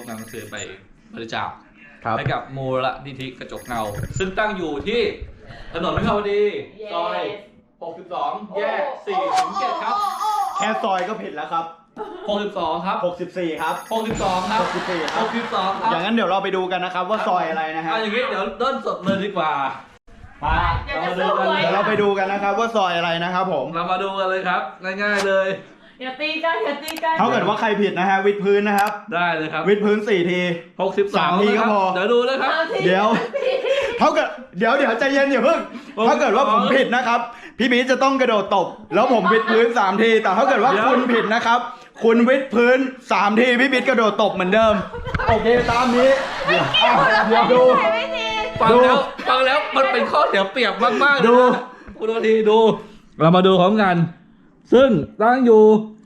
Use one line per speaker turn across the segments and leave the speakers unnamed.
นำหนังสือไปบริจาคให้กับมูลนิธิกระจกเงาซึ่งตั้งอยู่ที่ถนนวิภาวดีซอย 62 แยก 4 ถึง 7 ครับ
แค่ซอยก็ผิดแล้วครับ
62 ครับ
64 ครับ
62 ครับ
64 ครับ
62 ครับ
อย่างนั้นเดี๋ยวเราไปดูกันนะครับว่าซอยอะไรนะฮะ
อย่างนี้เดี๋ยวเริ่มสดเลยดีกว่ามาเรามาดูกัน
เดี๋ยวเราไปดูกันนะครับว่าซอยอะไรนะครับผม
เรามาดูกันเลยครับง่ายๆเลย
อย่าตีกันอย่าตีกัน
ถ้าเกิดว่าใครผิดนะฮะวิดพื้นนะครับ
ได้เลยครับ
วิดพื้น4 ที
63
ทีก็พอ
เดี๋ยวดูเลยครับ
เดี๋ยวเท่ากับเดี๋ยวใจเย็นอย่าเพิ่งถ้าเกิดว่าผมผิดนะครับพี่บีจะต้องกระโดดตบแล้วผมวิดพื้น3 ทีแต่ถ้าเกิดว่าคุณผิดนะครับคุณวิดพื้น3 ทีพี่บีกระโดดตบเหมือนเดิมโอเคตามนี้เดี๋ยวดู
ฟังแล้วมันเป็นข้อเสียเปรียบมากๆดูคุณดูทีดูเรามาดูพร้อมกันซึ่งตั้งอยู่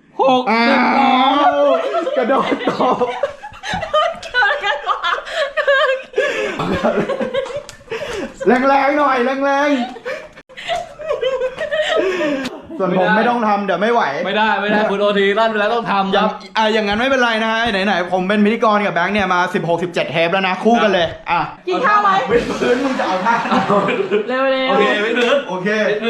กระโดดตบแรงๆหน่อยแรงๆส่วนผมไม่ต้องทำเดี๋ยวไม่ไหว
ไม่ได้คุณโอทีลั่นไปแล้วต้องทำครับ
อย่างนั้นไม่เป็นไรนะฮะไหนผมเป็นพิธีกรกับแบงค์เนี่ยมา16-17 เทปแล้วนะคู่กันเลย
กินข้าวไหม
วิดพื้นมึงจะเอาท่า
เร็ว
โอเควิดพื้น
โอเค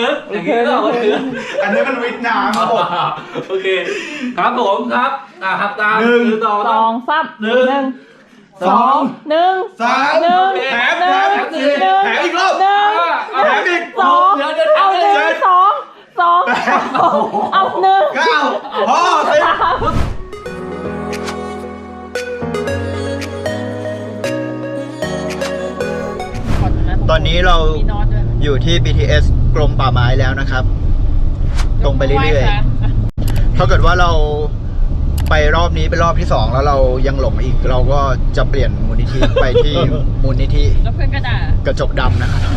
อันนี้มันวิดน้ำครับผม
โอเคครับผมครับครับตาม
1 2 3 1 2 1 3 1
แถมอีกรอบแถมอีก
2เอา1 2เอา1
9พอตอนนี้เราอยู่ที่ BTS กรมป่าไม้แล้วนะครับตรงไปเรื่อยๆถ้าเกิดว่าเราไปรอบนี้เป็นรอบที่2แล้วเรายังหลงอีกเราก็จะเปลี่ยนมูลนิธิไปที่มูลนิธิกระจกดำนะครับ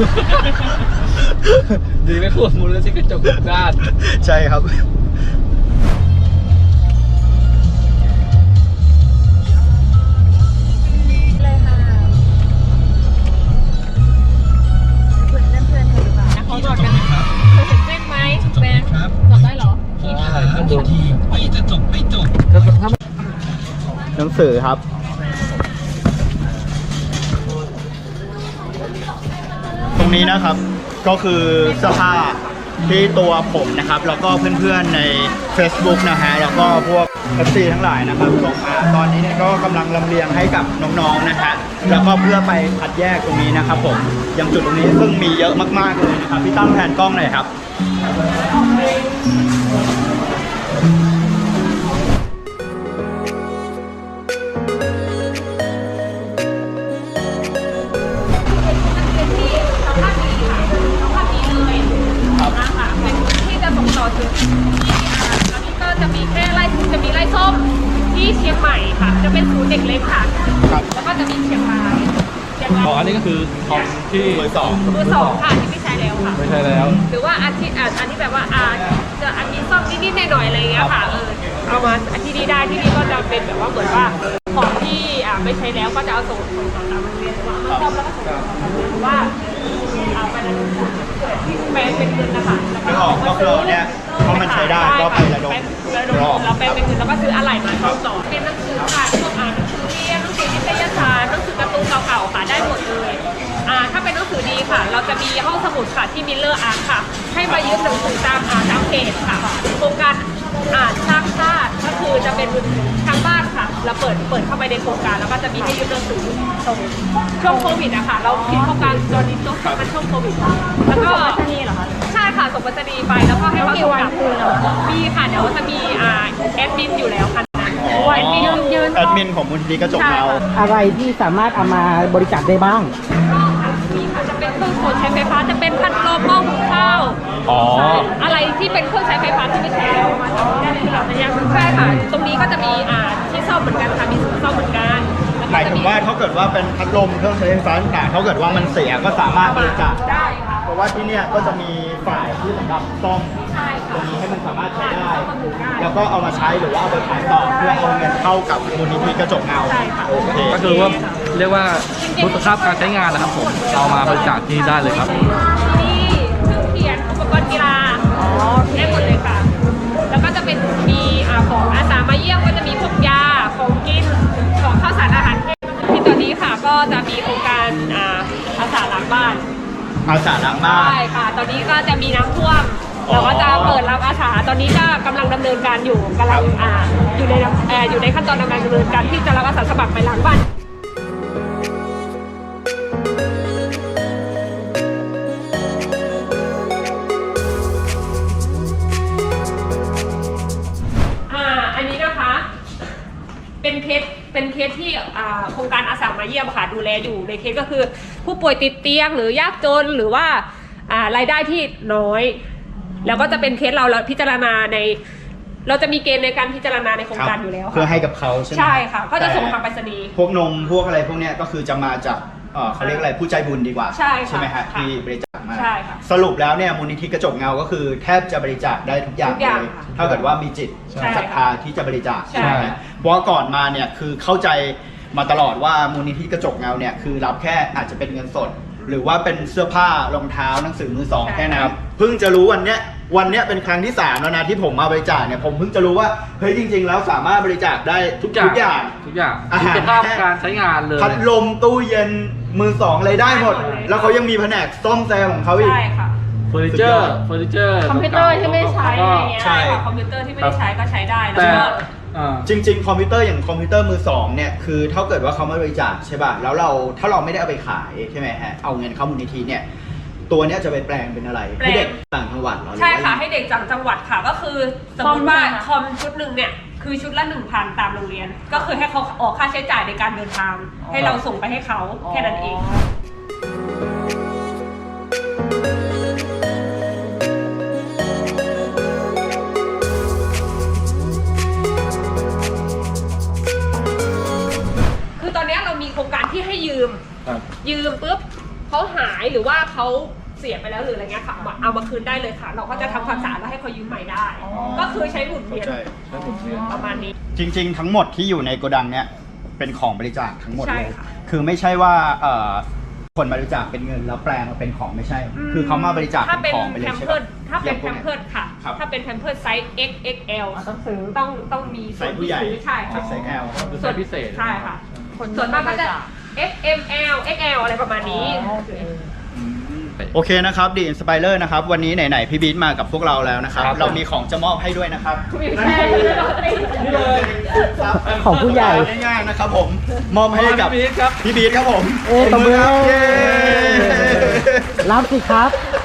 ดีไม่พูดมูลนิธิกระจกด้าน
ใช่ครับ
เลยค่ะเพื่อนเขาจอดกันนะครับเคยเห็นเส้นไหมแบงค์จอดได้เหรอ
พี่จะจบไม่จบ
หนังสือครับตรงนี้นะครับก็คือเสื้อผ้าที่ตัวผมนะครับแล้วก็เพื่อนๆใน Facebook นะฮะแล้วก็พวก FC ทั้งหลายนะครับส่งมาตอนนี้เนี่ยก็กำลังลำเลียงให้กับน้องๆนะฮะแล้วก็เพื่อไปคัดแยกตรงนี้นะครับผมยังจุดตรงนี้ซึ่งมีเยอะมากๆเลยนะครับพี่ตั้มแผนกล้องหน่อยครับ
อันนี้ก็จะมีแค่ไร่ส้มที่เชียงใหม่ค่ะจะเป็นศูนย์เด็กเล็กค่ะแล้วก็จะมีเชียงราย
อันนี้ก็คือของที่
เบอร์ 2ค่ะที่ไม่ใช้แล้วค่ะ
ไม่ใช่แล้ว
หรือว่าอันที่แบบว่าจะอันนี้ซ่อมนิดๆหน่อยๆอะไรอย่างเงี้ยค่ะเอามาอันที่นี้ได้ที่นี่ก็จะเป็นแบบว่าเหมือนว่าของที่ไม่ใช้แล้วก็จะเอาส่งต่อตามโรงเรียนว่ามาซ่อมแล้วก็ส่งต่อหรือว่าไประดมที่แปลงเป็นเงินนะคะ
ไม่ออกก็คือเนี่ยเพราะมันใช้ได้ก็ไประดม
เราแปลงเป็นเงินแล้วก็ซื้ออะไรมาซ่อมต่อเป็นหนังสือค่ะพวกหนังสือเรียนหนังสือนิตยสารหนังสือการ์ตูนเก่าๆค่ะได้หมดเลยถ้าเป็นหนังสือดีค่ะเราจะมีห้องสมุดค่ะที่มิลเลอร์อาร์ตค่ะให้มายืมหนังสือตามเพจค่ะโครงการสร้างชาติก็คือจะเป็นทางบ้านค่ะเราเปิดเข้าไปในโครงการแล้วก็จะมีให้ยืมหนังสือตรงช่วงโควิดนะคะเราคิดโครงการตอนนี้ต้องเป็นช่วงโควิดแล้วก็ส่งไปรษณีย์เหรอคะใช่ค่ะส่งไปรษณีย์ไปแล้วก็ให้เขาส่งกลับมีค่ะเดี๋ยวจะมีแอดมินอยู่แล้วค่ะ
แอดมินของมูลนิธิกระจกเงา
อะไรที่สามารถเอามาบริจาคได้บ้าง
มีค่ะจะเป็นเครื่องใช้ไฟฟ้าจะเป็นพัดลมหม้อหุงข้าวอะไรที่เป็นเครื่องใช้ไฟฟ้าที่ไม่ใช้แล้วมาทำได้ในระยะใช่ค่ะตรงนี้ก็จะมีที่ซ่อมเหมือนกันค่ะมีศูนย์ซ่อมเหมือนกัน
หมายถึงว่าถ้าเกิดว่าเป็นพัดลมเครื่องใช้ไฟฟ้าต่างๆถ้าเกิดว่ามันเสียก็สามารถบริจาค
ได้ค่ะ
เพราะว่าที่เนี่ยก็จะมีฝ่ายที่สำหรับซ่อมตรงนี้ให้มันสามารถใช้ได้แล้วก็เอามาใช้หรือว่าเอาไปขายต่อเพื่อเอาเงินเข้ากับมูลนิธิกระจกเงา
โอเค
ก็คือว่าเรียกว่าคุณภาพการใช้งานนะครับผมเอามาบริจาคที่ได้เลยครับ
นี่เครื่องเขียนอุปกรณ์กีฬาได้หมดเลยค่ะแล้วก็จะเป็นมีของอาสามาเยี่ยมก็จะมีพวกยาของกินของข้าวสารอาหารจะมีโครงการอาสาล้างบ้าน
อาสาล้างบ้าน
ใช่ค่ะ ตอนนี้ก็จะมีน้ำท่วมเราก็จะเปิดรับอาสาตอนนี้ก็กำลังดำเนินการอยู่กำลังอยู่ในขั้นตอนดำเนินการที่จะรับอาสาสมัครไปล้างบ้านอันนี้นะคะเป็นเคสที่โครงการอาสามาเยี่ยมค่ะดูแลอยู่ในเคสก็คือผู้ป่วยติดเตียงหรือยากจนหรือว่ารายได้ที่น้อยแล้วก็จะเป็นเคสเราพิจารณาเราจะมีเกณฑ์ในการพิจารณาในโครงการอยู่แล้ว
เพื่อให้กับเขาใช่ไหม
ใช่ค่ะก็จะส่งทางไปรษณีย์
พวกนมพวกอะไรพวกเนี้ยก็คือจะมาจากเขาเรียกอะไรผู้ใจบุญดีกว่า
ใช่ค่ะ
ไหมฮะ
ค่ะ
ที่บริจาคมา
ใช่ค่ะ
สรุปแล้วเนี่ยมูลนิธิกระจกเงาก็คือแทบจะบริจาคได้ทุกอย่าง
ทุกอย่าง
เลย
ค่ะ
ถ้าเกิดว่ามีจิต
ใช่
ศรัทธาที่จะบริจาค
ใช่
ใช่ไหมเพราะว่าก่อนมาเนี่ยคือเข้าใจมาตลอดว่ามูลนิธิกระจกเงาเนี่ยคือรับแค่อาจจะเป็นเงินสด หรือว่าเป็นเสื้อผ้ารองเท้าหนังสือมือสองแค่นั้นเพิ่งจะรู้วันเนี้ยเป็นครั้งที่3แล้วนะที่ผมมาบริจาคเนี่ยผมเพิ่งจะรู้ว่าเฮ้ยจริง ๆ แล้วสามารถบริจาคได้ทุกอย่าง อาหาร
คุณภาพการใช้งานเลย
พัดลมตู้เย็นมือสองอะไรได้หมด แล้วเขายังมีแผนกซ่อมแซมของเขาอีก
ใช่ค่ะ
เฟอร์นิเจอร์
คอมพิวเตอร์ที่ไม่ใช้อะไรเงี้ย
ใช่
ค่ะคอมพิวเตอร์ที่ไม่ได้ใช้ก็ใช้ได้แล้ว
แต่
ก็
จริงๆคอมพิวเตอร์อย่างคอมพิวเตอร์มือสองเนี่ยคือถ้าเกิดว่าเขาไม่บริจาคใช่ป่ะแล้วถ้าเราไม่ได้เอาไปขายใช่ไหมฮะเอาเงินเข้ามูลนิธิเนี่ยตัวเนี้ยจะไปแปลงเป็นอะไรให้เด็กต่างจังหวัดเหรอ
ใช่ค่ะให้เด็กจากจังหวัดค่ะก็คือสมมติว่าคอมชุดหนึ่งเนี่ยคือชุดละ 1,000 ตามโรงเรียน ก็คือให้เขาออกค่าใช้จ่ายในการเดินทาง ให้เราส่งไปให้เขาแค่นั้นเอง คือตอนนี้เรามีโครงการที่ให้ยืม ยืมปุ๊บเขาหายหรือว่าเขาเสียไปแล้วหรืออะไรเงี้ยค่ะเอามาคืนได้เลยค่ะ เราก็จะทำความสะอาดแล้วให้เขายืมใหม่ได้ ก็คือใช้หมุนเวียนประมาณนี้
จริงๆทั้งหมดที่อยู่ในโกดังเนี่ยเป็นของบริจาคทั้งหมด
ใช่
เลย
ค่ะ
คือไม่ใช่ว่าคนบริจาคเป็นเงินแล้วแปลงมาเป็นของไม่ใช่ คือเขามาบริจาค
ถ้า
เป็
เป็น น
ของไปเล
แพ
ย
ม
ใช่
เพิ
ปะ
ร์ดถ้าเป็นแพมเพิร์ดค่ะ
ครับ
ถ้าเป็นแพมเพิร์ดไซส์ XXL
ต้องซื้อ
ต้องมี
ใส่ผู้ใหญ่
ใช่ค่ะ
ใส่แอล
เป็นไซส์พิเศษ
ใช่ค่ะส่วนมากก็จะ XML XL อะไรประมาณนี้
โอเคนะครับดีอินสไปเลอร์นะครับวันนี้ไหนๆพี่บีทมากับพวกเราแล้วนะครับ
ครับ
เรามีของจะมอบให้ด้วยนะครับ
นี่เลย
ครับ
ของผู้ใหญ่
ง่ายๆนะครับผมมอบให้กับ
พี่บีทครับ
พี่บีทครับผม
ตบมือ
ครับเย้
รับสิครับ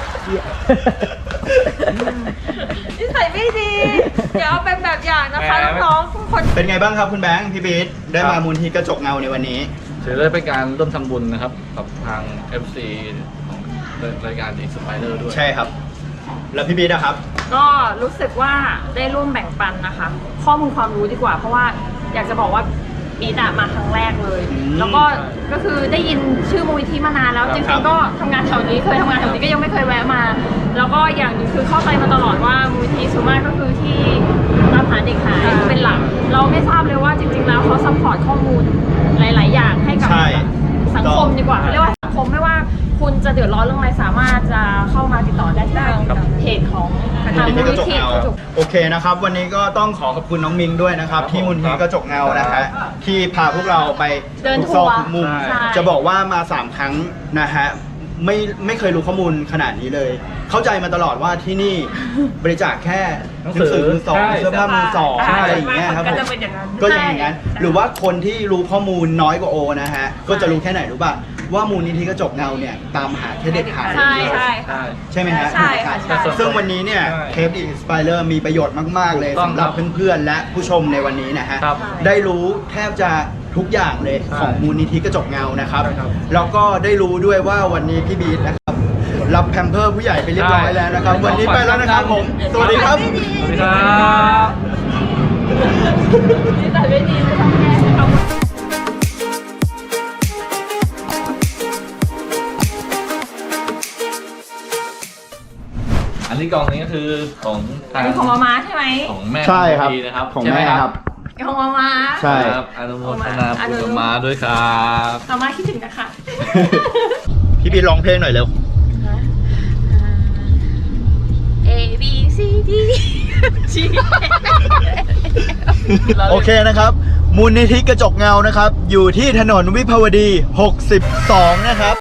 นิสัยไม่ดี เดี๋ยวเอาเป็นแบบอย่างนะคะ
แหม
น้องๆทุกคน
เป็นไงบ้างครับคุณแบงค์พี่บีทได้มามูลที่กระจกเงาในวันนี้
ถือเลยเป็นการร่วมทำบุญนะครับกับทาง MC ของรายการ Inspirer ด้วย
ใช่ครับ แล้วพี่บีทนะครับ
ก็รู้สึกว่าได้ร่วมแบ่งปันนะคะ ข้อมูลความรู้ดีกว่า เพราะว่าอยากจะบอกว่าปีดมาครั้งแรกเลย
อืม
แล้วก็คือได้ยินชื่อมูลนิธิมานานแล้ว
ครับ
จริงๆก็ทำงานแถวนี้เคยทำงานแถวนี้ก็ยังไม่เคยแวะมา แล้วก็อย่างหนึงคือเข้าใจมาตลอดว่ามูลนิธิส่วนมากก็คือที่ตามหาเด็กหายเป็นหลัก เราไม่ทราบเลยว่าจริงๆแล้วเขาซัพพอร์ตข้อมูลหลาย ๆ อย่างให้กับ
ใช่
สังคมดีกว่าเรียกว่าสังคมไม่ว่าคุณจะเดือดร้อนเรื่องอะไรสามารถจะเข้ามาติดต่อได้ที่ทางเพจของทาง
มู
มู
ล
ล
นิธิ
นิ
กระจก
ธิ
เงาโอเคนะครับ วันนี้ก็ต้องขอบคุณน้องมิงด้วยนะครับ ที่มูลนิธิกระจกเงานะฮะที่พาพวกเราไป
เดิน
ทุก
ทั
ซอก
วร์
ทุกมุม
ใช่
จะบอกว่ามา3ครั้งนะฮะไม่เคยรู้ข้อมูลขนาดนี้เลย เข้าใจมาตลอดว่าที่นี่บริจาคแค่หนังสือมือสอง
ใช่
เสื้อผ้ามือสอง
ใช่
อะไรอย่างเงี้ยครับ
ก็
ผม
จะเป็นอย่างนั้น
ก็ยังอย่างนั้น หรือว่าคนที่รู้ข้อมูลน้อยกว่าโอนะฮะก็จะรู้แค่ไหนรู้ป่ะว่ามูลนิธิกระจกเงาเนี่ยตามหาแค่เด็กหาย
ใช่ใช่
ใช่
ใช่ไหมฮะ
ใช่ค่ะใช่
ซึ่งวันนี้เนี่ย
ใช่
เทปอินสไปเลอร์มีประโยชน์มาก ๆ เลย
ต้อง
สำหรับเพื่อน ๆ และผู้ชมในวันนี้นะฮะ
ครับ
ได้รู้แทบจะทุกอย่างเลย
ใช่
ของมูลนิธิกระจกเงานะครับ
ใช่ครับ
แล้วก็ได้รู้ด้วยว่าวันนี้พี่บีทนะครับ รับแพมเพิร์สผู้ใหญ่ไปเรียบร้อยแล้วนะครับ
ใช่
วันนี้ไปแล้วนะครับผม สวัสดีครับ
สวัสดีครับ
นิสัยไม่ดีไม่ต้องแก้เอา
อันนี้กล่องนี้ก็คือของทาง
อันนี้ของมาใช่ไหม
ของแม่
ใช่ครับ
ดีนะครับ
ของ
ใช่ไห
แม่ครับ
ของมา
ใช่
ครับอนุโมทนาบุญกับมาด้วยครับ
มาคิดถึงนะคะ
พี่บีทร้องเพลงหน่อยเร็ว
A B C D G
โอเคนะครับมูลนิธิกระจกเงานะครับ อยู่ที่ถนนวิภาวดี 62 นะครับ